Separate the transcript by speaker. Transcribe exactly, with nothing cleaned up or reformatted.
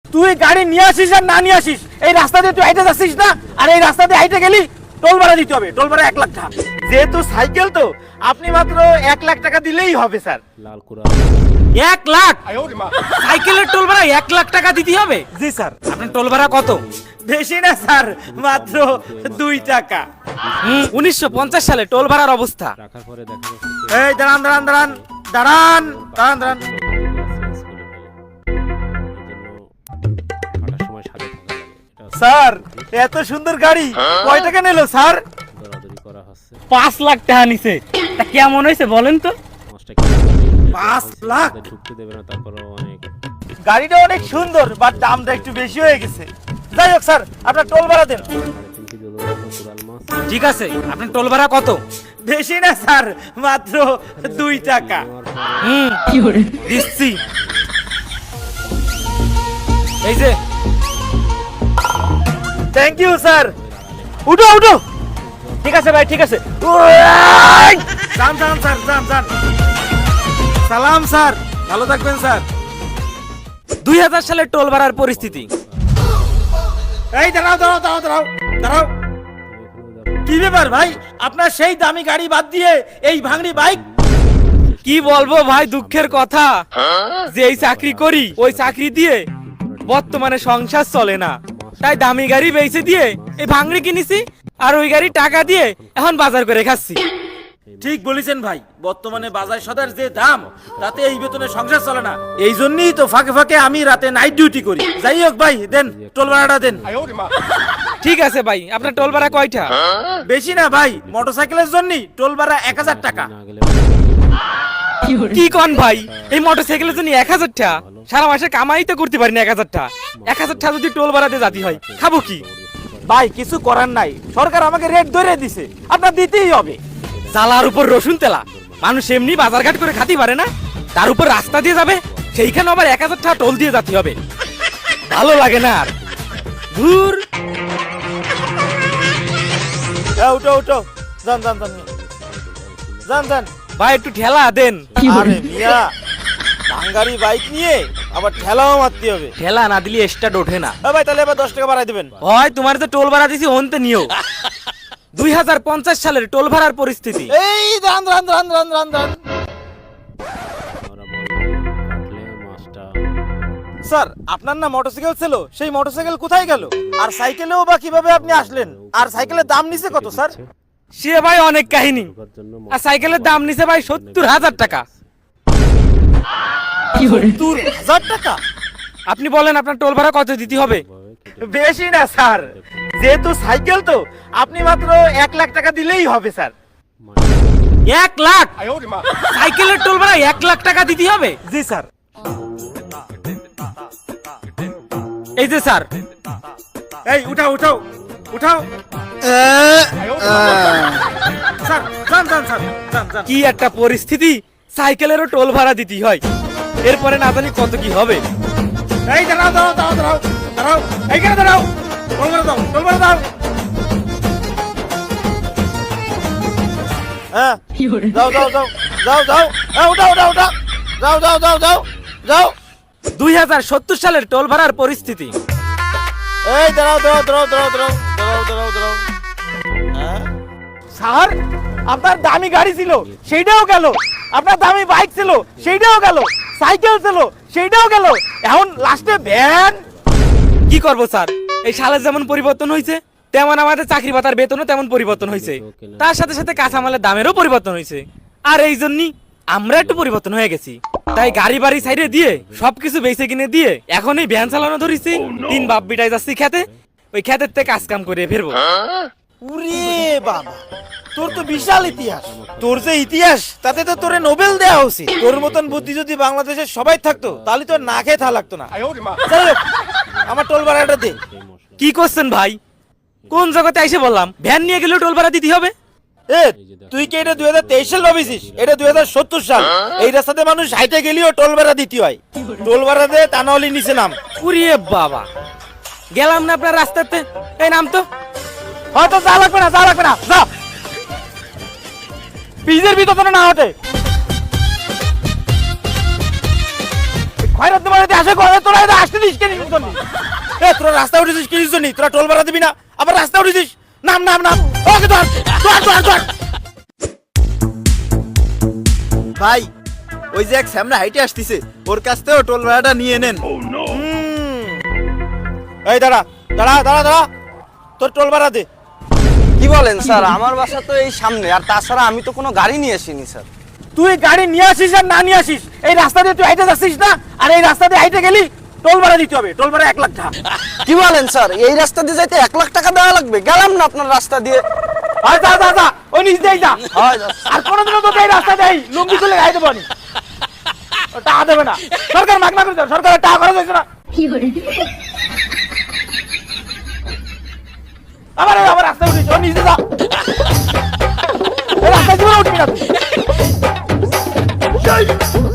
Speaker 1: তুই গাড়ি নিয়ে আসিস আর না নিয়ে আসিস, এই রাস্তা দিয়ে তুই হাইটে যাচ্ছিস না, আর এই রাস্তা দিয়ে হাইটে গেলি টোল ভাড়া দিতে হবে। টোল ভাড়া এক লাখ টাকা। যেহেতু সাইকেল তো আপনি মাত্র এক লাখ টাকা দিলেই হবে স্যার।
Speaker 2: লাল কুরা
Speaker 3: এক লাখ? সাইকেলের টোল ভাড়া এক লাখ টাকা দিতে হবে?
Speaker 1: জি স্যার।
Speaker 3: আপনার টোল ভাড়া কত?
Speaker 1: বেশি না স্যার, মাত্র দুই টাকা।
Speaker 3: হুম, উনিশশো পঞ্চাশ সালে টোল ভাড়ার অবস্থা।
Speaker 2: রাখার পরে দেখা যাচ্ছে
Speaker 1: এই দাঁড়ান দাঁড়ান দাঁড়ান দাঁড়ান দাঁড়ান দাঁড়ান
Speaker 2: হাঁটার সময় সাথে থাকা লাগে। এটা
Speaker 1: স্যার, এত সুন্দর গাড়ি কয় টাকা নিল স্যার?
Speaker 2: দরাদরি করা হচ্ছে।
Speaker 3: পাঁচ লাখ টাকা নিছে। তা কেমন হয়েছে বলেন তো?
Speaker 2: পাঁচটা
Speaker 1: পাঁচ লাখ?
Speaker 2: ঢুকতে দেবে না, তারপরে অনেক
Speaker 1: গাড়িটা অনেক সুন্দর, বাট দামটা একটু বেশি হয়ে গেছে। যাই হোক স্যার, আপনার টোল ভাড়া দেন।
Speaker 2: সাড়ে তিন কেজি ওজন কোরাল মাছ।
Speaker 3: ঠিক আছে, আপনার টোল ভাড়া কত?
Speaker 1: বেশি না স্যার, মাত্র দুই টাকা।
Speaker 3: হুম, দিচ্ছি। এই যে
Speaker 1: থ্যাংক ইউ স্যার। উঠো উঠো। ঠিক আছে ভাই, ঠিক আছে। যান যান স্যার, যান যান। সালাম স্যার, ভালো থাকবেন স্যার।
Speaker 3: দুই হাজার সালের টোল ভাড়ার পরিস্থিতি।
Speaker 1: এই দাঁড়াও দাঁড়াও দাঁড়াও দাঁড়াও দাঁড়াও। কি ব্যাপার ভাই, আপনার সেই দামি গাড়ি বাদ দিয়ে এই ভাঙড়ি বাইক?
Speaker 3: কি বলবো ভাই, দুঃখের কথা যে এই চাকরি করি, ওই চাকরি দিয়ে বর্তমানে সংসার চলে না, তাই দামি গাড়ি বেচে দিয়ে এই ভাঙড়ি কিনেছি, আর ওই গাড়ি টাকা দিয়ে এখন বাজার করে খাচ্ছি।
Speaker 1: ঠিক বলেছেন ভাই, বর্তমানে বাজার সদার যে দাম, তাতে এই বেতনে সংসার চলে না। এই জন্যই তো ফাঁকে ফাঁকে আমি রাতে নাইট ডিউটি করি। যাই হোক ভাই, দেন টোল ভাড়াটা দেন।
Speaker 3: ঠিক আছে ভাই, আপনার টোল ভাড়া কয়টা?
Speaker 1: বেশি না ভাই, মোটরসাইকেলের জন্য টোল ভাড়া এক হাজার টাকা।
Speaker 2: না গেলে
Speaker 3: কি কন ভাই, এই মোটরসাইকেলের জন্য এক হাজার টাকা? সারা মাসে কামাই তো করতে পারি না এক হাজার টাকা। এক হাজার টাকা যদি টোল ভাড়াতে জাতি হয়, খাবো কি?
Speaker 1: ভাই কিছু করার নাই, সরকার আমাকে রেট ধরে দিছে, আপনার দিতেই হবে।
Speaker 3: চালার উপর রসুন তেলা, মানুষ এমনি বাজারঘাট করে খাতে পারে না, তার উপর রাস্তা দিয়ে যাবে, সেইখানে আবার এক হাজার টাকা টোল দিয়ে জাতি হবে। ভালো লাগে না আর। ধুর।
Speaker 1: এ, উঠো উঠো, যান যান যান যান যান।
Speaker 3: ভাই একটু ঠেলা দেন।
Speaker 1: আরে মিয়া, ভাঙ্গারি বাইক নিয়ে আবার ঠেলাও মারতে হবে।
Speaker 3: ঠেলা না দিলে স্টার্ট ওঠে না।
Speaker 1: এ ভাই, তাহলে এবার দশ টাকা বাড়াই দিবেন।
Speaker 3: হয় তোমার যে টোল ভাড়া দিছি অন্তে নিও। দুই হাজার পঞ্চাশ সালের টোল ভাড়ার পরিস্থিতি।
Speaker 1: এই দাঁড়ান দাঁড়ান দাঁড়ান দাঁড়ান দাঁড়ান দাঁড়ান।
Speaker 2: ওরা বলবে কাটলে মাছটা
Speaker 1: স্যার, আপনার না মোটরসাইকেল ছিল, সেই মোটরসাইকেল কোথায় গেল? আর সাইকেলেও বা কিভাবে আপনি আসলেন? আর সাইকেলের দাম নিছে কত স্যার?
Speaker 3: সে ভাই অনেক কাহিনী।
Speaker 2: ঢোকার জন্য
Speaker 3: আর সাইকেলের দাম নিছে ভাই সত্তর হাজার টাকা।
Speaker 1: সত্তর হাজার টাকা?
Speaker 3: আপনি বলেন আপনার টোল ভাড়া কত দিতে হবে?
Speaker 1: বেশি না স্যার, যেহেতু সাইকেল তো আপনি মাত্র এক লাখ টাকা দিলেই হবে স্যার।
Speaker 3: এক লাখ? সাইকেলের টোল ভাড়া এক লাখ টাকা দিতে হবে?
Speaker 1: জি স্যার।
Speaker 3: এই যে স্যার।
Speaker 1: এই উঠাও উঠাও উঠাও। স্যার যান যান স্যার, যান যান।
Speaker 3: কি একটা পরিস্থিতি, সাইকেলেরও টোল ভাড়া দিতে হয়। এরপরে না জানি কত কি হবে।
Speaker 1: এই দাঁড়াও দাঁড়াও দাঁড়াও দাঁড়াও দাঁড়াও, এইখানে দাঁড়াও। টোল ভাড়া দাও, টোল ভাড়া দাও। হ্যাঁ, যাও যাও যাও যাও যাও। হ্যাঁ, উঠাও উঠাও উঠাও। যাও যাও যাও যাও যাও।
Speaker 3: দুই হাজার সত্তর সালের টোল ভাড়ার পরিস্থিতি।
Speaker 1: এই দাঁড়াও দাঁড়াও দাঁড়াও দাঁড়াও দাঁড়াও দাঁড়াও দাঁড়াও দাঁড়াও। হ্যাঁ স্যার, আপনার দামি গাড়ি ছিল সেইটাও গেল, আপনার দামি বাইক ছিল সেইটাও গেল, সাইকেল ছিল সেইটাও গেল, এখন লাস্টে ভ্যান।
Speaker 3: কি করব স্যার, এই সালের যেমন পরিবর্তন হয়েছে, তেমন আমাদের চাকরি পাতার বেতনও তেমন পরিবর্তন হয়েছে, তার সাথে সাথে কাঁচামালের দামেরও পরিবর্তন হয়েছে। আর এই জন্যই আমরা একটু পরিবর্তন হয়ে গেছি। তাই গাড়ি বাড়ি সাইডে দিয়ে সবকিছু বেঁচে কিনে দিয়ে এখন এই ভ্যান চালানো ধরেছি। তিন বাপ বিটাই যাচ্ছি খেতে, ওই খেতের থেকে কাজ কাম করে ফিরবো।
Speaker 1: উরে বাবা, তোর তো বিশাল ইতিহাস। তোর যে ইতিহাস, তাতে তো তোরে নোবেল দেওয়া উচিত। তোর মতন বুদ্ধি যদি বাংলাদেশের সবাই থাকতো, তাহলে তো না খেয়ে থা লাগতো না। যাই হোক, আমার টোল ভাড়াটা দে।
Speaker 3: কি করছেন ভাই, কোন জগতে এসে বললাম ভ্যান নিয়ে গেলেও টোল ভাড়া দিতে হবে?
Speaker 1: এ, তুই কি এটা দুই হাজার তেইশ সাল ভাবিছিস? এটা দুই হাজার সত্তর সাল। এই রাস্তাতে মানুষ হাইটে গেলেও টোল ভাড়া দিতে হয়। টোল ভাড়া দে, তা নাহলে নিচে নাম।
Speaker 3: উরিয়ে বাবা, গেলাম না আপনার রাস্তাতে। এই নাম তো।
Speaker 1: হয়তো যা লাগবে না, যা লাগবে না, যা। পিজের ভিতরে না হটে। খয়রাত বাড়িতে আসে করে তোরা এটা আসতে দিস কেন বুঝলি এ তোরা রাস্তা উঠেছিস কি জন্য তোরা টোল ভাড়া দিবি না আবার রাস্তা উঠেছিস নাম নাম নাম ওকে ধর ধর ধর ধর
Speaker 4: ভাই ওই যে এক সামনে হাইটে আসতেছে ওর কাছ থেকেও টোল ভাড়াটা নিয়ে নেন।
Speaker 1: হুম। এই দাঁড়া দাঁড়া দাঁড়া দাঁড়া তোর টোল ভাড়া দে।
Speaker 5: কি বলেন স্যার, আমার বাসা তো এই সামনে, আর তাছাড়া আমি তো কোনো গাড়ি নিয়ে আসিনি স্যার।
Speaker 1: তুই গাড়ি নিয়ে আসিস আর না নিয়ে আসিস এই রাস্তা দিয়ে তুই হাইটে যাচ্ছিস না আর এই রাস্তা দিয়ে হাইটে গেলি টোল ভাড়া দিতে হবে টোল ভাড়া এক লাখ টাকা।
Speaker 5: কি বলেন স্যার, এই রাস্তা দিয়ে যাইতে এক লাখ টাকা দেওয়া লাগবে? গেলাম না আপনার রাস্তা দিয়ে।
Speaker 1: আর যা যা যা ওই নিচ দিয়ে যা
Speaker 5: হয় যা।
Speaker 1: আর কোনোদিনও তোকে এই রাস্তা দেয় লুঙ্গি খুলে গাইতে পারি টাকা দেবে না সরকার মাগনা করে দেবে সরকারের টাকা খরচ হয়েছে না আবার আবার রাস্তায় উঠিস ও নিচে যা এই রাস্তায় জীবনে উঠবি না তুই